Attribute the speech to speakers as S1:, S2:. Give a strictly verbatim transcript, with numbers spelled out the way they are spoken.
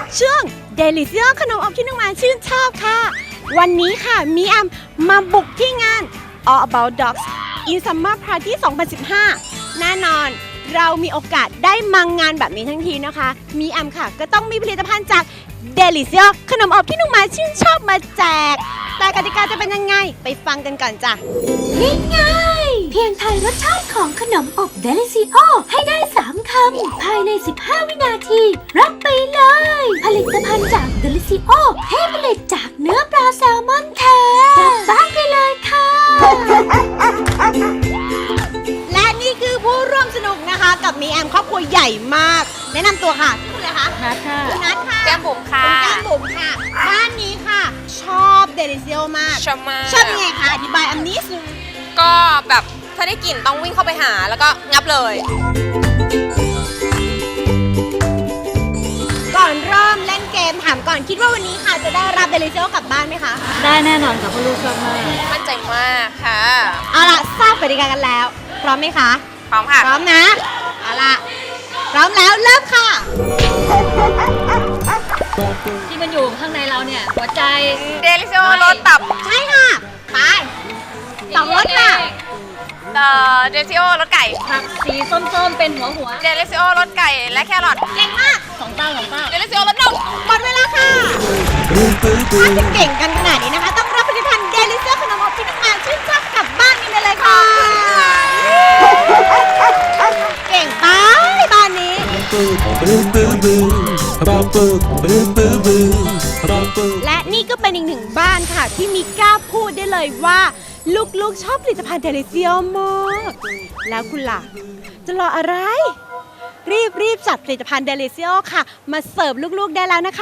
S1: ช่วง Delicio ขนมอบที่น้องหมาชื่นชอบค่ะวันนี้ค่ะมีแอมมาบุกที่งาน All About Dogs in Summer Party สองพันสิบห้า แน่นอนเรามีโอกาสได้มางานแบบนี้ทั้งทีนะคะมีแอมค่ะก็ต้องมีผลิตภัณฑ์จาก Delicio ขนมอบที่น้องหมาชื่นชอบมาแจกแต่กติกาจะเป็นยังไงไปฟังกันก่อนจ้ะ
S2: ง่ายๆเพียงทายรสชาติของขนมอบ Delicio ให้ได้สามคำภายในสิบห้าวินาทีรับไปเลยผลิตภัณฑ์จาก Delicio ให้ผลิตจากเนื้อปลาแซลมอนแท้กลับบ้านไปเลยค่ะ
S1: และนี่คือผู้ร่วมสนุกนะคะกับมีแอมครอบครัวใหญ่มากแนะนำตัวค่ะชื่ออะไรคะ
S2: นัทค่ะ
S1: คุณนัทค่ะ
S3: แก้มบุ๋มค่ะ
S1: คุณแก้มบุ๋มค่ะบ้านนี้ค่ะชอบ Delicio มาก
S3: ชอบมาก
S1: ชอบยังไงคะอธิบายอันนี้สิ
S3: ก็แบบถ้าได้กลิ่นต้องวิ่งเข้าไปหาแล้วก็งับเลย
S1: ก่อนเริ่มเล่นเกมถามก่อนคิดว่าวันนี้ค่ะจะได้รับ Delicio กลับบ้านไหมคะ
S2: ได้แน่นอนค่ะเพราะลูกชอบมาก
S3: มั่นใจมากค่ะ
S1: เอาล่ะทราบกติกากันแล้วพร้อมไหมคะ
S3: พร้อมค่ะ
S1: พร้อมนะเอาล่ะพร้อมแล้วเริ่มค่ะ
S2: ที่มันอยู่ข้างในเราเนี่ยหัวใจ
S3: Delicio รสตับ
S1: ใช่ค่ะไปสองรสค่ะ
S3: เอ่อ Delicio รสไก่
S2: ผักสีส้มๆเป็นหัวหัว
S3: Delicio รสไก่และแครอท
S1: เก่งมาก
S2: สองเต้าสองเต้า
S3: Delicio รสนม
S1: หมดเวลาค่ะถ้าจะเก่งกันขนาดนี้นะคะต้องรับผลิตภัณฑ์ Delicio ขนมอบที่น้องหมาชื่นชอบกลับบ้านกันไปเลยค่ะเก่งไปบ้านนี้และนี่ก็เป็นอีกหนึ่งบ้านค่ะที่มีกล้าพูดได้เลยว่าลูกๆชอบผลิตภัณฑ์ Delicio มากแล้วคุณล่ะจะรออะไรรีบรีบจัดผลิตภัณฑ์ Delicio ค่ะมาเสิร์ฟลูกๆได้แล้วนะคะ